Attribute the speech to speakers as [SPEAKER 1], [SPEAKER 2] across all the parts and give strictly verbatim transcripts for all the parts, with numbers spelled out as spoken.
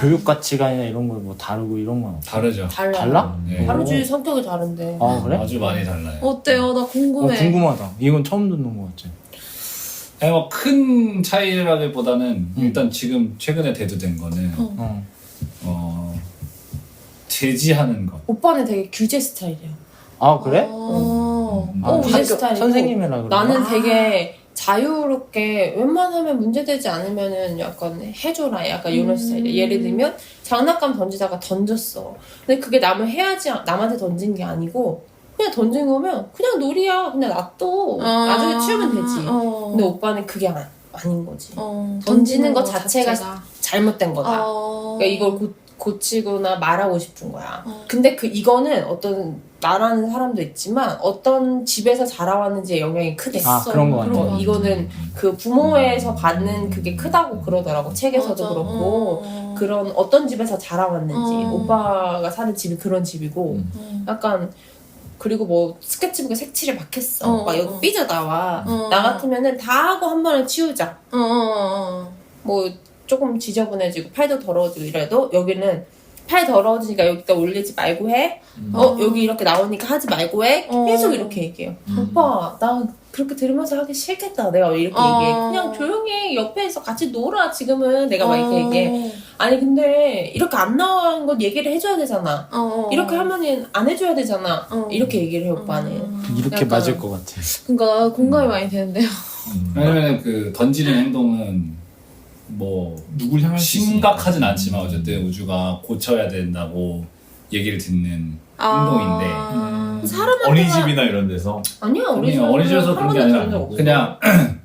[SPEAKER 1] 교육 가치관이나 이런 거 뭐 다르고 이런 건 없어?
[SPEAKER 2] 다르죠.
[SPEAKER 3] 달라요.
[SPEAKER 1] 달라?
[SPEAKER 2] 네.
[SPEAKER 3] 하루주의 성격이 다른데.
[SPEAKER 1] 아 그래?
[SPEAKER 2] 아주 많이 달라요.
[SPEAKER 4] 어때요? 나
[SPEAKER 1] 어,
[SPEAKER 4] 궁금해.
[SPEAKER 1] 궁금하다. 이건 처음 듣는 거 같지.
[SPEAKER 2] 아니 뭐큰 차이라기보다는
[SPEAKER 1] 음.
[SPEAKER 2] 일단 지금 최근에 대두된 거는
[SPEAKER 4] 어.
[SPEAKER 1] 어.
[SPEAKER 2] 어 제지하는 것.
[SPEAKER 3] 오빠는 되게 규제 스타일이야.
[SPEAKER 1] 아 그래?
[SPEAKER 4] 어.
[SPEAKER 2] 음.
[SPEAKER 1] 아,
[SPEAKER 3] 어,
[SPEAKER 1] 학교
[SPEAKER 3] 규제 스타일이고.
[SPEAKER 1] 선생님이라 그래.
[SPEAKER 3] 나는
[SPEAKER 4] 아.
[SPEAKER 3] 되게 자유롭게 웬만하면 문제되지 않으면은 약간 해줘라 약간 이런
[SPEAKER 4] 음.
[SPEAKER 3] 스타일이야. 예를 들면 장난감 던지다가 던졌어. 근데 그게 남을 해야지 남한테 던진 게 아니고 그냥 던진 거면 그냥 놀이야. 그냥 놔둬. 나중에 치우면 되지.
[SPEAKER 4] 어.
[SPEAKER 3] 근데 오빠는 그게 아, 아닌 거지.
[SPEAKER 4] 어.
[SPEAKER 3] 던지는 것 자체가 잘못된 거다.
[SPEAKER 4] 어.
[SPEAKER 3] 그러니까 이걸 고, 고치거나 말하고 싶은 거야.
[SPEAKER 4] 어.
[SPEAKER 3] 근데 그 이거는 어떤 나라는 사람도 있지만 어떤 집에서 자라왔는지의 영향이 크대.
[SPEAKER 1] 아 그런 거 같아.
[SPEAKER 3] 어, 이거는 그 부모에서 받는 그게 크다고 그러더라고. 책에서도
[SPEAKER 4] 맞아.
[SPEAKER 3] 그렇고
[SPEAKER 4] 어.
[SPEAKER 3] 그런 어떤 집에서 자라왔는지.
[SPEAKER 4] 어.
[SPEAKER 3] 오빠가 사는 집이 그런 집이고
[SPEAKER 1] 음.
[SPEAKER 4] 어.
[SPEAKER 3] 약간 그리고 뭐 스케치북에 색칠을 막 했어.
[SPEAKER 4] 어,
[SPEAKER 3] 막 여기
[SPEAKER 4] 어.
[SPEAKER 3] 삐져 나와.
[SPEAKER 4] 어.
[SPEAKER 3] 나 같으면은 다 하고 한 번에 치우자.
[SPEAKER 4] 어. 어.
[SPEAKER 3] 뭐 조금 지저분해지고 팔도 더러워지고 이래도 여기는 팔 더러워지니까 여기다 올리지 말고 해.
[SPEAKER 1] 음.
[SPEAKER 3] 어 여기 이렇게 나오니까 하지 말고 해.
[SPEAKER 4] 어.
[SPEAKER 3] 계속 이렇게 얘기해요.
[SPEAKER 1] 음.
[SPEAKER 3] 오빠 나 그렇게 들으면서 하기 싫겠다. 내가 왜 이렇게
[SPEAKER 4] 어.
[SPEAKER 3] 얘기해. 그냥 조용히 옆에서 같이 놀아. 지금은 내가 막 이렇게
[SPEAKER 4] 어.
[SPEAKER 3] 얘기해. 아니 근데 이렇게 안 나온 건 얘기를 해줘야 되잖아.
[SPEAKER 4] 어.
[SPEAKER 3] 이렇게 하면은 안 해줘야 되잖아.
[SPEAKER 4] 어.
[SPEAKER 3] 이렇게 얘기를 해 오빠는.
[SPEAKER 4] 음.
[SPEAKER 1] 이렇게
[SPEAKER 3] 약간-
[SPEAKER 1] 맞을 것 같아.
[SPEAKER 4] 그러니까 공감이 많이 되는데요.
[SPEAKER 1] 음.
[SPEAKER 2] 왜냐면 그 던지는 행동은 뭐
[SPEAKER 5] 누굴 향할 수
[SPEAKER 2] 심각하진 않지만 어쨌든 우주가 고쳐야 된다고 얘기를 듣는 행동인데
[SPEAKER 4] 아.
[SPEAKER 5] 음.
[SPEAKER 3] 사람한테만-
[SPEAKER 5] 어린이집이나 이런 데서
[SPEAKER 3] 아니야 우리
[SPEAKER 2] 아니,
[SPEAKER 3] 집은
[SPEAKER 2] 어린이집에서 그런 게 아니라
[SPEAKER 3] 한 번도 본 적
[SPEAKER 2] 그냥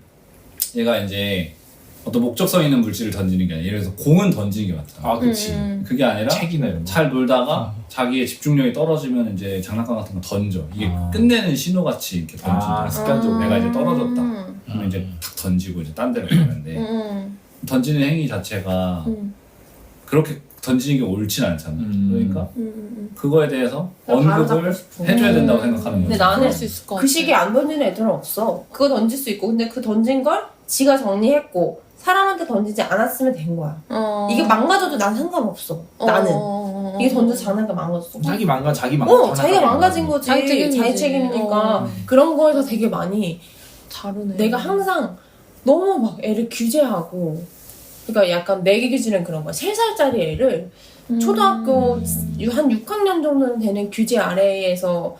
[SPEAKER 2] 얘가 이제 어떤 목적성 있는 물질을 던지는 게 아니라 예를 들어서 공은 던지는 게 맞다.
[SPEAKER 5] 아 그치
[SPEAKER 4] 음.
[SPEAKER 2] 그게 아니라
[SPEAKER 5] 책이나 이런 거
[SPEAKER 2] 잘 놀다가
[SPEAKER 1] 아.
[SPEAKER 2] 자기의 집중력이 떨어지면 이제 장난감 같은 거 던져. 이게
[SPEAKER 1] 아.
[SPEAKER 2] 끝내는 신호같이 이렇게 던진다.
[SPEAKER 5] 아, 습관적으로.
[SPEAKER 2] 내가 이제 떨어졌다.
[SPEAKER 4] 음.
[SPEAKER 2] 그러면 이제 탁 던지고 이제 딴 데로 가는데
[SPEAKER 4] 음.
[SPEAKER 2] 던지는 행위 자체가
[SPEAKER 4] 음.
[SPEAKER 2] 그렇게 던지는 게 옳진 않잖아.
[SPEAKER 5] 음.
[SPEAKER 2] 그러니까
[SPEAKER 4] 음.
[SPEAKER 2] 그거에 대해서
[SPEAKER 3] 그냥 바로
[SPEAKER 2] 언급을
[SPEAKER 3] 잡고 싶어.
[SPEAKER 2] 해줘야 된다고
[SPEAKER 4] 음.
[SPEAKER 2] 생각하는 거지.
[SPEAKER 3] 근데 나는
[SPEAKER 4] 그럴 수 있을 것 같아.
[SPEAKER 3] 그 시기에 안 던지는 애들은 없어. 그거 던질 수 있고 근데 그 던진 걸 지가 정리했고 사람한테 던지지 않았으면 된 거야.
[SPEAKER 4] 어.
[SPEAKER 3] 이게 망가져도 난 상관없어. 나는.
[SPEAKER 4] 어.
[SPEAKER 3] 이게 던져 장난감 망가졌어.
[SPEAKER 5] 자기 망가 자기 망가
[SPEAKER 3] 어, 자기가 망가진 거지.
[SPEAKER 4] 자기 책임이지.
[SPEAKER 3] 자기 책임이니까.
[SPEAKER 4] 어.
[SPEAKER 3] 그런 거에서 되게 많이
[SPEAKER 4] 다르네.
[SPEAKER 3] 내가 항상 너무 막 애를 규제하고 그러니까 약간 내 기준은 그런 거야. 세 살짜리 애를
[SPEAKER 4] 음.
[SPEAKER 3] 초등학교 한 육 학년 정도는 되는 규제 아래에서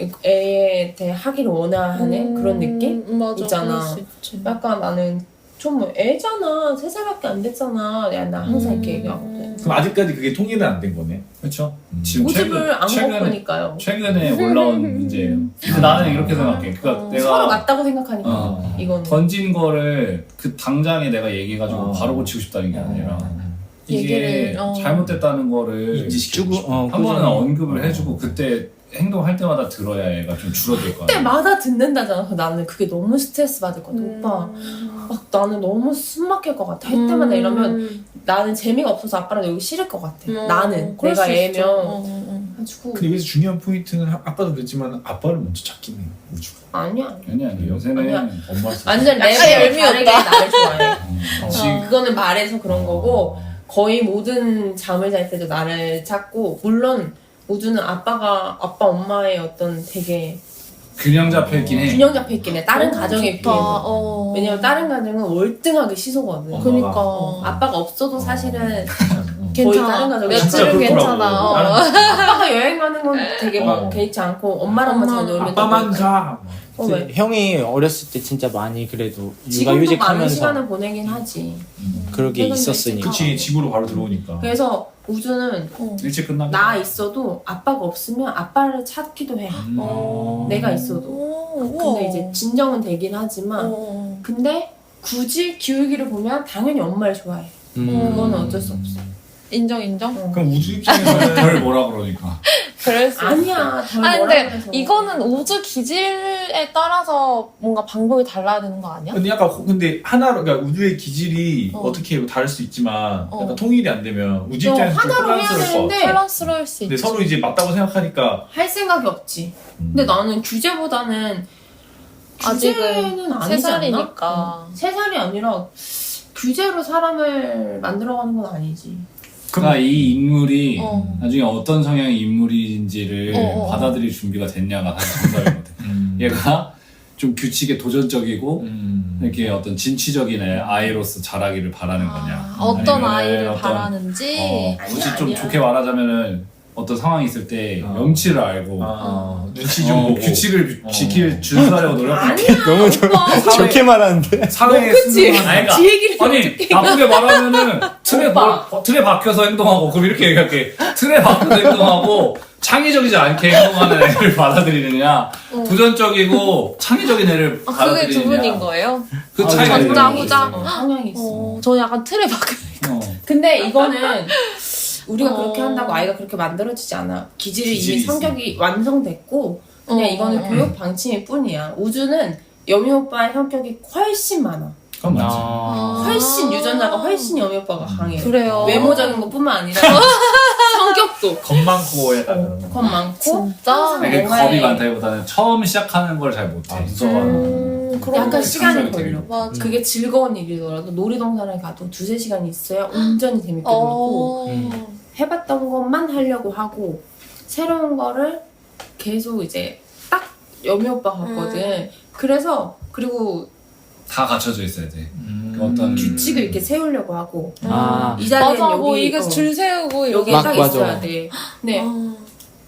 [SPEAKER 3] 애에 대해 하기를 원하는
[SPEAKER 4] 음.
[SPEAKER 3] 그런 느낌?
[SPEAKER 4] 맞아,
[SPEAKER 3] 있잖아.
[SPEAKER 4] 그럴 수 있지.
[SPEAKER 3] 약간 나는 좀 뭐 애잖아. 세 살밖에 안 됐잖아. 야, 나 항상 이렇게
[SPEAKER 4] 음.
[SPEAKER 3] 얘기하거든.
[SPEAKER 5] 그럼 아직까지 그게 통일은 안 된 거네
[SPEAKER 2] 그렇죠.
[SPEAKER 5] 음.
[SPEAKER 2] 지금
[SPEAKER 3] 고집을 안
[SPEAKER 2] 최근에
[SPEAKER 3] 먹으니까요.
[SPEAKER 2] 최근에 올라온 문제예요. 근데 나는 이렇게 생각해. 그러니까
[SPEAKER 4] 어.
[SPEAKER 2] 내가
[SPEAKER 3] 서로 맞다고 생각하니까
[SPEAKER 2] 어,
[SPEAKER 3] 이거는.
[SPEAKER 2] 던진 거를 그 당장에 내가 얘기해가지고
[SPEAKER 5] 어.
[SPEAKER 2] 바로 고치고 싶다는 게 아니라 이게
[SPEAKER 4] 얘기를, 어.
[SPEAKER 2] 잘못됐다는 거를
[SPEAKER 5] 인지시키고
[SPEAKER 1] 주고 어,
[SPEAKER 2] 한 번은
[SPEAKER 1] 꾸준히.
[SPEAKER 2] 언급을 해주고 그때 행동할 때마다 들어야 얘가 좀 줄어들 거야.
[SPEAKER 3] 그때마다 듣는다잖아. 그래서 나는 그게 너무 스트레스 받을 것 같아.
[SPEAKER 4] 음.
[SPEAKER 3] 오빠 막 나는 너무 숨 막힐 것 같아. 할 때마다 이러면
[SPEAKER 4] 음.
[SPEAKER 3] 나는 재미가 없어서 아빠랑 여기 싫을 것 같아.
[SPEAKER 4] 음.
[SPEAKER 3] 나는
[SPEAKER 4] 그럴
[SPEAKER 3] 내가
[SPEAKER 4] 수 있죠.
[SPEAKER 3] 애면
[SPEAKER 4] 어, 어,
[SPEAKER 3] 가지고
[SPEAKER 5] 근데 여기서 중요한 포인트는 아- 아까도 그랬지만 아빠를 먼저 찾긴 해요 우주가
[SPEAKER 3] 아니야.
[SPEAKER 2] 아니 아니 요새는
[SPEAKER 3] 아니야.
[SPEAKER 5] 엄마를 찾
[SPEAKER 3] 완전
[SPEAKER 4] 약간
[SPEAKER 3] 레벨
[SPEAKER 4] 얄미웠다.
[SPEAKER 3] 다르게 나를 좋아해.
[SPEAKER 2] 음,
[SPEAKER 3] 어.
[SPEAKER 2] 지금
[SPEAKER 3] 그거는 말해서 그런 거고 거의 모든 잠을 잘 때도 나를 찾고 물론 우주는 아빠가 아빠 엄마의 어떤 되게
[SPEAKER 2] 균형 잡혀 있긴 해.
[SPEAKER 3] 균형 잡혀 있긴 해. 다른
[SPEAKER 4] 어,
[SPEAKER 3] 가정에
[SPEAKER 4] 좋다.
[SPEAKER 3] 비해서.
[SPEAKER 4] 어.
[SPEAKER 3] 왜냐면 다른 가정은 월등하게 시소거든.
[SPEAKER 5] 어.
[SPEAKER 4] 그니까.
[SPEAKER 3] 어, 아빠가 없어도 사실은 거의 다른
[SPEAKER 4] 괜찮아.
[SPEAKER 3] 가정이
[SPEAKER 5] 진짜
[SPEAKER 4] 며칠은
[SPEAKER 5] 그렇더라고.
[SPEAKER 4] 괜찮아. 어.
[SPEAKER 5] 나는
[SPEAKER 3] 아빠가 여행 가는 건 되게 막
[SPEAKER 5] 어.
[SPEAKER 3] 개의치 않고 엄마랑만 잘 놀면
[SPEAKER 5] 아빠만
[SPEAKER 3] 되고.
[SPEAKER 5] 가
[SPEAKER 3] 어, 왜?
[SPEAKER 1] 형이 어렸을 때 진짜 많이 그래도 육아
[SPEAKER 3] 지금도 많은
[SPEAKER 1] 휴직하면서
[SPEAKER 3] 시간을 보내긴 하지.
[SPEAKER 1] 그러게
[SPEAKER 3] 퇴근도
[SPEAKER 1] 있었으니까.
[SPEAKER 5] 그치 집으로 바로 들어오니까
[SPEAKER 3] 그래서 우주는
[SPEAKER 4] 어.
[SPEAKER 2] 일찍 끝나면
[SPEAKER 3] 나 있어도 아빠가 없으면 아빠를 찾기도 해.
[SPEAKER 5] 음.
[SPEAKER 4] 어.
[SPEAKER 3] 내가 있어도.
[SPEAKER 4] 오,
[SPEAKER 3] 근데
[SPEAKER 4] 우와.
[SPEAKER 3] 이제 진정은 되긴 하지만
[SPEAKER 4] 어.
[SPEAKER 3] 근데 굳이 기울기를 보면 당연히 엄마를 좋아해.
[SPEAKER 1] 음.
[SPEAKER 3] 그거는 어쩔 수 없어.
[SPEAKER 4] 인정 인정.
[SPEAKER 3] 어.
[SPEAKER 5] 그럼 우주 입장에서는
[SPEAKER 2] 덜 뭐라 그러니까.
[SPEAKER 4] 그럴 수 있어.
[SPEAKER 3] 아니야. 덜
[SPEAKER 4] 아니
[SPEAKER 3] 뭐라
[SPEAKER 4] 근데
[SPEAKER 3] 그래서.
[SPEAKER 4] 이거는 우주 기질에 따라서 뭔가 방법이 달라야 되는 거 아니야?
[SPEAKER 5] 근데 약간 호- 근데 하나로 그러니까 우주의 기질이
[SPEAKER 4] 어.
[SPEAKER 5] 어. 떻게 다를 수 있지만
[SPEAKER 4] 어.
[SPEAKER 5] 약간 통일이 안 되면 우주
[SPEAKER 3] 좀
[SPEAKER 5] 입장에서 좀
[SPEAKER 3] 하나로 해야
[SPEAKER 5] 혼란스러울 것
[SPEAKER 3] 되는데
[SPEAKER 5] 같아.
[SPEAKER 4] 혼란스러울 수
[SPEAKER 5] 근데
[SPEAKER 4] 있지.
[SPEAKER 5] 서로 이제 맞다고 생각하니까
[SPEAKER 3] 할 생각이 없지.
[SPEAKER 5] 음.
[SPEAKER 3] 근데 나는 규제보다는 규제는
[SPEAKER 4] 아직은 세
[SPEAKER 3] 아니지 않나?
[SPEAKER 4] 살이니까.
[SPEAKER 3] 어. 세 살이 아니라 규제로 사람을 만들어가는 건 아니지.
[SPEAKER 2] 그러니까 이 인물이
[SPEAKER 4] 어.
[SPEAKER 2] 나중에 어떤 성향의 인물인지를
[SPEAKER 4] 어, 어, 어.
[SPEAKER 2] 받아들일 준비가 됐냐가 사실 정답이거든.
[SPEAKER 5] 음.
[SPEAKER 2] 얘가 좀 규칙에 도전적이고
[SPEAKER 5] 음.
[SPEAKER 2] 이렇게 어떤 진취적인 애, 아이로서 자라기를 바라는 거냐.
[SPEAKER 4] 아, 어떤
[SPEAKER 2] 아니면은
[SPEAKER 4] 아이를
[SPEAKER 2] 어떤,
[SPEAKER 4] 바라는지.
[SPEAKER 2] 어,
[SPEAKER 3] 아니야,
[SPEAKER 2] 굳이 좀
[SPEAKER 3] 아니야.
[SPEAKER 2] 좋게 말하자면은 어떤 상황이 있을 때
[SPEAKER 5] 어.
[SPEAKER 2] 염치를 알고
[SPEAKER 5] 아, 눈치 좀
[SPEAKER 2] 어,
[SPEAKER 5] 보고
[SPEAKER 2] 규칙을
[SPEAKER 5] 어.
[SPEAKER 2] 지킬 준수하려고 노력하는
[SPEAKER 3] 아니야.
[SPEAKER 1] 너무 좋, 좋게 말하는데.
[SPEAKER 2] 사회에
[SPEAKER 3] 그치?
[SPEAKER 2] 순응하는- 아니, 그러니까
[SPEAKER 3] 지 얘기를
[SPEAKER 2] 아니
[SPEAKER 3] 어떻게
[SPEAKER 2] 나쁘게 말하면은 틀에
[SPEAKER 3] 오빠.
[SPEAKER 2] 바, 틀에 박혀서 행동하고 그럼 이렇게 얘기할게. 틀에 박혀서 행동하고 창의적이지 않게 행동하는 애를 받아들이느냐 도전적이고 창의적인 애를
[SPEAKER 4] 아, 그게
[SPEAKER 2] 받아들이느냐
[SPEAKER 4] 두 분인 거예요?
[SPEAKER 2] 그
[SPEAKER 1] 아,
[SPEAKER 2] 차이가
[SPEAKER 1] 전자,
[SPEAKER 2] 있는 거지.
[SPEAKER 4] 후자.
[SPEAKER 3] 어, 성향이 있어.
[SPEAKER 4] 어, 저는 약간 틀에 박혀.
[SPEAKER 2] 어.
[SPEAKER 3] 근데 이거는 우리가
[SPEAKER 4] 어.
[SPEAKER 3] 그렇게 한다고 아이가 그렇게 만들어지지 않아. 기질이
[SPEAKER 2] 기질이
[SPEAKER 3] 이미
[SPEAKER 2] 있어.
[SPEAKER 3] 성격이 완성됐고 그냥
[SPEAKER 4] 어,
[SPEAKER 3] 이거는
[SPEAKER 4] 어.
[SPEAKER 3] 교육 방침일 뿐이야. 우주는 여미 오빠의 성격이 훨씬 많아.
[SPEAKER 2] 그건 맞지.
[SPEAKER 1] 아.
[SPEAKER 3] 훨씬 유전자가 훨씬 여미 오빠가 강해.
[SPEAKER 4] 그래요.
[SPEAKER 3] 외모적인 것뿐만 아니라 성격도
[SPEAKER 5] 겁 많고 약간
[SPEAKER 3] 겁 많고
[SPEAKER 4] 진짜?
[SPEAKER 3] 항상
[SPEAKER 2] 이게
[SPEAKER 3] 뭔가에
[SPEAKER 2] 겁이 많다기보다는 처음 시작하는 걸 잘 못해.
[SPEAKER 5] 아, 무서워하는.
[SPEAKER 4] 음, 그런
[SPEAKER 3] 약간
[SPEAKER 4] 거
[SPEAKER 3] 시간이
[SPEAKER 2] 상상이 되게
[SPEAKER 3] 걸려.
[SPEAKER 4] 맞아.
[SPEAKER 3] 그게 즐거운 일이더라도 놀이동산에 가도 두세 시간이 있어야 온전히 재밌게 놀고
[SPEAKER 4] 어.
[SPEAKER 1] 음.
[SPEAKER 3] 해봤던 것만 하려고 하고 새로운 거를 계속 이제 딱 여미 오빠 같거든.
[SPEAKER 4] 음.
[SPEAKER 3] 그래서 그리고
[SPEAKER 2] 다 갖춰져 있어야 돼.
[SPEAKER 5] 음.
[SPEAKER 2] 어떤
[SPEAKER 3] 규칙을 이렇게 세우려고 하고
[SPEAKER 1] 아.
[SPEAKER 3] 이 자리엔
[SPEAKER 4] 맞아,
[SPEAKER 3] 여기
[SPEAKER 4] 뭐 이게
[SPEAKER 3] 어,
[SPEAKER 4] 줄 세우고
[SPEAKER 3] 여기
[SPEAKER 1] 막
[SPEAKER 3] 딱
[SPEAKER 1] 맞아.
[SPEAKER 3] 있어야 돼. 근데
[SPEAKER 4] 아.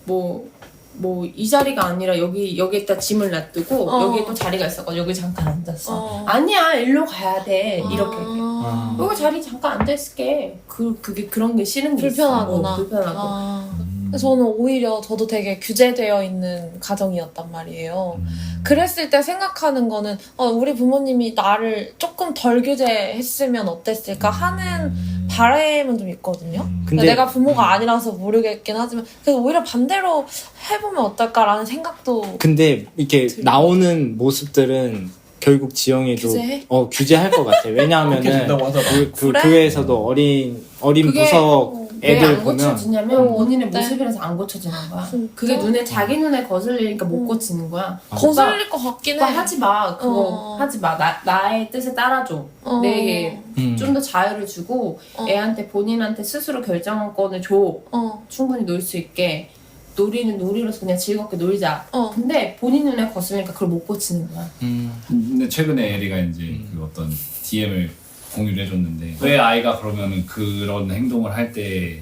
[SPEAKER 3] 뭐 뭐 이 자리가 아니라 여기 여기에다 짐을 놔두고
[SPEAKER 4] 어.
[SPEAKER 3] 여기에 또 자리가 있어가지고 여기 잠깐 앉았어.
[SPEAKER 4] 어.
[SPEAKER 3] 아니야 일로 가야 돼 이렇게.
[SPEAKER 4] 아.
[SPEAKER 3] 여기 자리 잠깐 앉아 있을게. 그 그게 그런 게 싫은 게
[SPEAKER 4] 불편하구나.
[SPEAKER 3] 있어. 어, 불편하고.
[SPEAKER 4] 아.
[SPEAKER 5] 음.
[SPEAKER 4] 저는 오히려 저도 되게 규제되어 있는 가정이었단 말이에요.
[SPEAKER 5] 음.
[SPEAKER 4] 그랬을 때 생각하는 거는 어, 우리 부모님이 나를 조금 덜 규제했으면 어땠을까 하는
[SPEAKER 5] 음.
[SPEAKER 4] 바람은 좀 있거든요.
[SPEAKER 5] 음.
[SPEAKER 1] 근데-
[SPEAKER 4] 내가 부모가 아니라서 모르겠긴 하지만 그래서 오히려 반대로 해보면 어떨까라는 생각도
[SPEAKER 1] 근데 이렇게
[SPEAKER 4] 들려.
[SPEAKER 1] 나오는 모습들은 결국 지영이도
[SPEAKER 4] 규제해?
[SPEAKER 1] 어 규제할 것 같아.
[SPEAKER 5] 그렇게
[SPEAKER 1] 왜냐하면은
[SPEAKER 5] 된다고 하더라.
[SPEAKER 1] 그, 그
[SPEAKER 4] 그래?
[SPEAKER 1] 교회에서도 어린 어린
[SPEAKER 3] 그게
[SPEAKER 1] 부석
[SPEAKER 3] 왜
[SPEAKER 1] 애들
[SPEAKER 3] 안
[SPEAKER 1] 보면
[SPEAKER 3] 고쳐지냐면
[SPEAKER 4] 어,
[SPEAKER 3] 본인의
[SPEAKER 4] 어때?
[SPEAKER 3] 모습이라서 안 고쳐지는 거야.
[SPEAKER 4] 진짜?
[SPEAKER 3] 그게 눈에 자기 눈에 거슬리니까 못
[SPEAKER 4] 음.
[SPEAKER 3] 고치는 거야.
[SPEAKER 4] 거슬릴 것 같긴 해.
[SPEAKER 3] 오빠 하지 마. 그거
[SPEAKER 4] 어.
[SPEAKER 3] 하지 마. 나, 나의 뜻에 따라줘.
[SPEAKER 4] 어.
[SPEAKER 3] 내게
[SPEAKER 1] 음.
[SPEAKER 3] 좀 더 자유를 주고
[SPEAKER 4] 어.
[SPEAKER 3] 애한테 본인한테 스스로 결정권을 줘.
[SPEAKER 4] 어.
[SPEAKER 3] 충분히 놀 수 있게. 놀이는 놀이로서 그냥 즐겁게 놀자.
[SPEAKER 4] 어.
[SPEAKER 3] 근데 본인 눈에 거슬리니까 그걸 못 고치는 거야.
[SPEAKER 1] 음.
[SPEAKER 2] 근데 최근에 에리가 이제
[SPEAKER 1] 음.
[SPEAKER 2] 그 어떤 디엠을 공유를 해줬는데 왜 아이가 그러면은 그런 행동을 할 때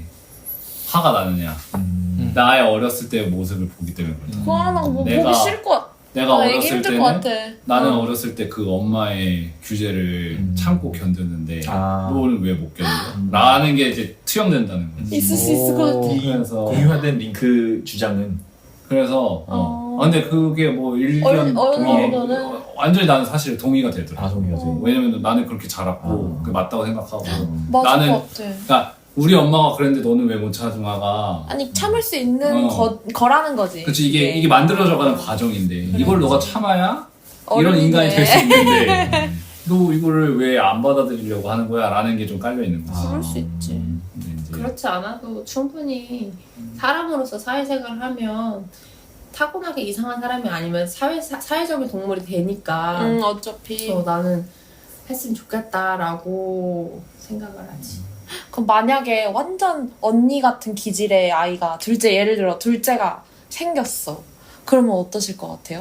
[SPEAKER 2] 화가 나느냐?
[SPEAKER 5] 음.
[SPEAKER 2] 나의 어렸을 때의 모습을 보기 때문에 그렇다.
[SPEAKER 5] 음.
[SPEAKER 4] 그거는 뭐
[SPEAKER 2] 내가-
[SPEAKER 4] 보기 싫을 것 같아.
[SPEAKER 2] 내가
[SPEAKER 4] 나 애기
[SPEAKER 2] 어렸을
[SPEAKER 4] 힘들
[SPEAKER 2] 때는
[SPEAKER 4] 것 같아.
[SPEAKER 2] 나는
[SPEAKER 4] 어.
[SPEAKER 2] 어렸을 때 그 엄마의 규제를
[SPEAKER 5] 음.
[SPEAKER 2] 참고 견뎠는데
[SPEAKER 5] 아.
[SPEAKER 2] 너는 왜 못 견뎌?
[SPEAKER 5] 음.
[SPEAKER 2] 라는 게 이제 투영된다는 거지.
[SPEAKER 4] 있을 수 있을 것 같아.
[SPEAKER 5] 이
[SPEAKER 2] 그래서-
[SPEAKER 5] 공유화된 링크 주장은
[SPEAKER 2] 그래서 어.
[SPEAKER 4] 어.
[SPEAKER 2] 아, 근데 그게 뭐 일견
[SPEAKER 4] 어른- 어른
[SPEAKER 2] 동의
[SPEAKER 4] 정도는?
[SPEAKER 2] 어, 완전히 나는 사실 동의가 되더라.
[SPEAKER 5] 아 동의가 돼.
[SPEAKER 4] 어.
[SPEAKER 2] 왜냐면 나는 그렇게 자랐고
[SPEAKER 5] 아.
[SPEAKER 2] 그게 맞다고 생각하고
[SPEAKER 5] 음.
[SPEAKER 4] 맞을
[SPEAKER 2] 나는-
[SPEAKER 4] 것 같아.
[SPEAKER 2] 그러니까 우리 엄마가 그랬는데 너는 왜 못 참아가?
[SPEAKER 4] 아니 참을 수 있는
[SPEAKER 2] 어.
[SPEAKER 4] 거, 거라는 거지.
[SPEAKER 2] 그치 이게 이게 만들어져가는 과정인데 이걸 너가 참아야 이런
[SPEAKER 4] 어른이네.
[SPEAKER 2] 인간이 될 수 있는데 너 이거를 왜 안 받아들이려고 하는 거야? 라는 게 좀 깔려 있는 거지.
[SPEAKER 3] 그럴 수 있지.
[SPEAKER 2] 근데 이제
[SPEAKER 3] 그렇지 않아도 충분히 사람으로서 사회생활을 하면 타고나게 이상한 사람이 아니면 사회, 사, 사회적인 동물이 되니까
[SPEAKER 4] 응 어차피.
[SPEAKER 3] 그래서 나는 했으면 좋겠다라고 생각을 하지.
[SPEAKER 4] 그럼 만약에 완전 언니 같은 기질의 아이가 둘째 예를 들어 둘째가 생겼어. 그러면 어떠실 것 같아요?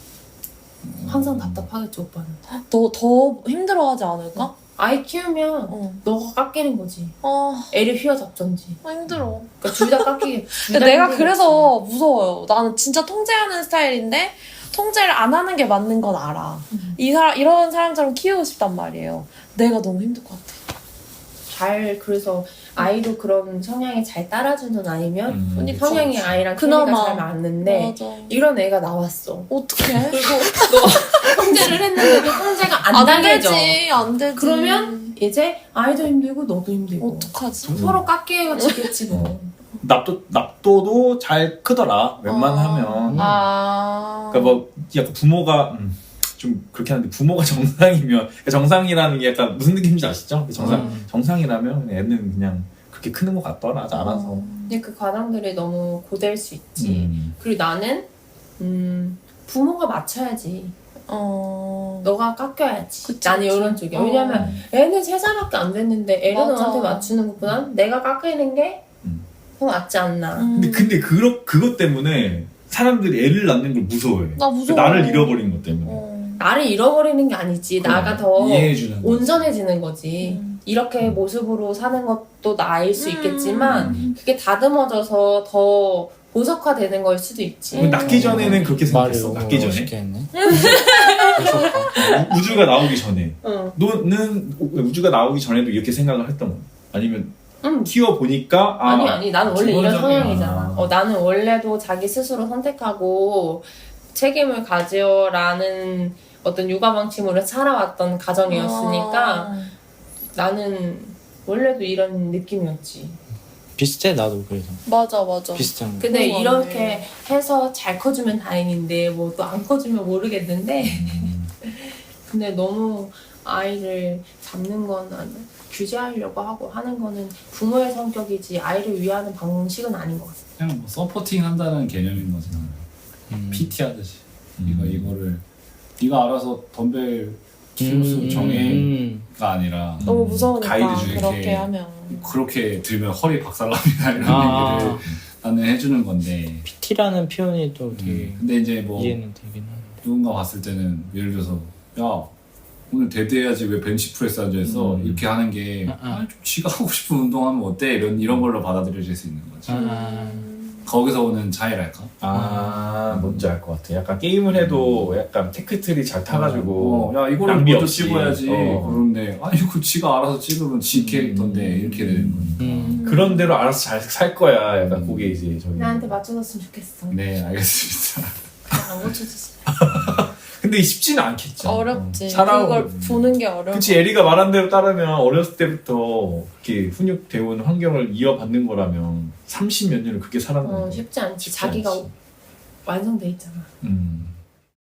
[SPEAKER 3] 항상 답답하겠지 오빠는.
[SPEAKER 4] 너 더 힘들어하지 않을까?
[SPEAKER 3] 아이 키우면
[SPEAKER 4] 어.
[SPEAKER 3] 너가 깎이는 거지.
[SPEAKER 4] 어,
[SPEAKER 3] 애를 휘어잡던지.
[SPEAKER 4] 힘들어.
[SPEAKER 3] 그러니까 둘 다 깎이게. 둘
[SPEAKER 4] 근데
[SPEAKER 3] 다
[SPEAKER 4] 내가
[SPEAKER 3] 힘들겠지.
[SPEAKER 4] 그래서 무서워요. 나는 진짜 통제하는 스타일인데 통제를 안 하는 게 맞는 건 알아.
[SPEAKER 3] 음.
[SPEAKER 4] 이 사람 이런 사람처럼 키우고 싶단 말이에요. 내가 너무 힘들 것 같아.
[SPEAKER 3] 잘 그래서 아이도 그런 성향이 잘 따라주는 아이면
[SPEAKER 5] 음.
[SPEAKER 4] 언니
[SPEAKER 3] 성향이
[SPEAKER 4] 그렇지.
[SPEAKER 3] 아이랑
[SPEAKER 4] 그나마.
[SPEAKER 3] 케미가 잘 맞는데
[SPEAKER 4] 맞아.
[SPEAKER 3] 이런 애가 나왔어.
[SPEAKER 4] 어떡해?
[SPEAKER 3] 그리고 너 통제를 했는데도 통제가 안,
[SPEAKER 4] 안
[SPEAKER 3] 당해져.
[SPEAKER 4] 되지, 안 되지.
[SPEAKER 3] 그러면 이제 아이도 힘들고 너도 힘들고
[SPEAKER 4] 어떡하지?
[SPEAKER 3] 서로 깎여지겠지 뭐.
[SPEAKER 5] 납도 납도도 잘 크더라. 웬만하면.
[SPEAKER 4] 아.
[SPEAKER 5] 그러니까 뭐 약간 부모가 음, 좀 그렇게 하는데 부모가 정상이면 그러니까 정상이라는 게 약간 무슨 느낌인지 아시죠? 정상
[SPEAKER 1] 음.
[SPEAKER 5] 정상이라면 애는 그냥 그렇게 크는 것 같더라. 알아서.
[SPEAKER 3] 근데 그 과정들이 너무 고될 수 있지.
[SPEAKER 5] 음.
[SPEAKER 3] 그리고 나는 음, 부모가 맞춰야지.
[SPEAKER 4] 어.
[SPEAKER 3] 너가 깎여야지.
[SPEAKER 4] 그치,
[SPEAKER 3] 나는
[SPEAKER 4] 그치.
[SPEAKER 3] 이런 쪽이야.
[SPEAKER 4] 어.
[SPEAKER 3] 왜냐면 애는 세 살밖에 안 됐는데 애를
[SPEAKER 4] 맞아.
[SPEAKER 3] 너한테 맞추는 것보다 내가 깎이는 게
[SPEAKER 5] 음.
[SPEAKER 3] 더 낫지 않나.
[SPEAKER 4] 음.
[SPEAKER 5] 근데 근데 그러, 그것 때문에 사람들이 애를 낳는 걸 무서워해.
[SPEAKER 4] 나 무서워.
[SPEAKER 5] 나를 잃어버리는 것 때문에.
[SPEAKER 4] 어.
[SPEAKER 3] 나를 잃어버리는 게 아니지.
[SPEAKER 5] 그래.
[SPEAKER 3] 나가 더
[SPEAKER 2] 이해해주는 거지.
[SPEAKER 3] 온전해지는 거지.
[SPEAKER 4] 음.
[SPEAKER 3] 이렇게 모습으로 사는 것도 나일 수 있겠지만
[SPEAKER 4] 음.
[SPEAKER 3] 그게 다듬어져서 더 보석화되는 걸 수도 있지.
[SPEAKER 4] 음.
[SPEAKER 5] 낳기 전에는 그렇게
[SPEAKER 1] 말을
[SPEAKER 5] 생각했어.
[SPEAKER 1] 너무
[SPEAKER 5] 낳기 전에.
[SPEAKER 1] 멋있게 했네.
[SPEAKER 5] 우- 우주가 나오기 전에.
[SPEAKER 3] 응.
[SPEAKER 5] 너는 우주가 나오기 전에도 이렇게 생각을 했던 거야? 아니면
[SPEAKER 3] 응.
[SPEAKER 5] 키워 보니까 아,
[SPEAKER 3] 아니 아니 나는 원래 이런
[SPEAKER 2] 기본적이야.
[SPEAKER 3] 성향이잖아. 어, 나는 원래도 자기 스스로 선택하고 책임을 가져라는 어떤 육아 방침으로 살아왔던 가정이었으니까
[SPEAKER 4] 어.
[SPEAKER 3] 나는 원래도 이런 느낌이었지.
[SPEAKER 1] 비슷해 나도 그래서
[SPEAKER 4] 맞아 맞아.
[SPEAKER 1] 비슷한 거.
[SPEAKER 3] 근데
[SPEAKER 4] 그런 거
[SPEAKER 3] 이렇게 해서 잘 커주면 다행인데 뭐 또 안 커주면 모르겠는데
[SPEAKER 5] 음.
[SPEAKER 3] 근데 너무 아이를 잡는 거는 규제하려고 하고 하는 거는 부모의 성격이지 아이를 위하는 방식은 아닌 것 같아.
[SPEAKER 2] 그냥 뭐 서포팅 한다는 개념인 거지 나는.
[SPEAKER 1] 음.
[SPEAKER 2] 피티 하듯이.
[SPEAKER 5] 음.
[SPEAKER 2] 이거 이거를 네가 알아서 덤벨 키로수
[SPEAKER 1] 음,
[SPEAKER 2] 정해가
[SPEAKER 1] 음.
[SPEAKER 2] 아니라
[SPEAKER 4] 너무 무서우니까
[SPEAKER 2] 가이드 중에
[SPEAKER 4] 그렇게
[SPEAKER 2] 이렇게
[SPEAKER 4] 하면.
[SPEAKER 2] 그렇게 들면 허리 박살납니다 이런
[SPEAKER 1] 아.
[SPEAKER 2] 얘기를 나는 해주는 건데.
[SPEAKER 1] 피티라는 표현이 또 되게
[SPEAKER 2] 음. 근데 이제 뭐
[SPEAKER 1] 이해는 되긴 하네.
[SPEAKER 2] 누군가 봤을 때는 예를 들어서 야 오늘 데드해야지 왜 벤치프레스 앉아있어
[SPEAKER 5] 음.
[SPEAKER 2] 이렇게 하는 게
[SPEAKER 1] 아, 아.
[SPEAKER 2] 아, 좀 지가 하고 싶은 운동하면 어때 이런 이런 걸로 받아들여질 수 있는 거지.
[SPEAKER 1] 아.
[SPEAKER 2] 거기서 오는 차이랄까.
[SPEAKER 5] 아 뭔지 알 것 같아. 약간 게임을 해도 약간 테크트리 잘 타가지고
[SPEAKER 2] 어, 야 이거를
[SPEAKER 5] 낭비
[SPEAKER 2] 먼저
[SPEAKER 5] 없이.
[SPEAKER 2] 찍어야지.
[SPEAKER 5] 어.
[SPEAKER 2] 그런데 아니 그 지가 알아서 찍으면 지 캐릭터인데 이렇게 되는 거니까.
[SPEAKER 1] 음.
[SPEAKER 5] 그런 대로 알아서 잘 살 거야. 약간 그게 이제 저기.
[SPEAKER 3] 나한테 맞춰줬으면 좋겠어.
[SPEAKER 2] 네 알겠습니다.
[SPEAKER 3] 안 고쳐줬어.
[SPEAKER 5] 근데 쉽지는 않겠죠.
[SPEAKER 4] 어렵지.
[SPEAKER 5] 어, 살아오고.
[SPEAKER 4] 그걸 보는 게 어려워.
[SPEAKER 5] 그치, 에리가 말한 대로 따르면 어렸을 때부터 이렇게 훈육되어 온 환경을 이어받는 거라면 삼십 몇 년을 그렇게 살아가는
[SPEAKER 3] 어,
[SPEAKER 5] 거
[SPEAKER 3] 쉽지 않지.
[SPEAKER 5] 쉽지
[SPEAKER 3] 자기가
[SPEAKER 5] 않지.
[SPEAKER 3] 완성돼 있잖아.
[SPEAKER 5] 음.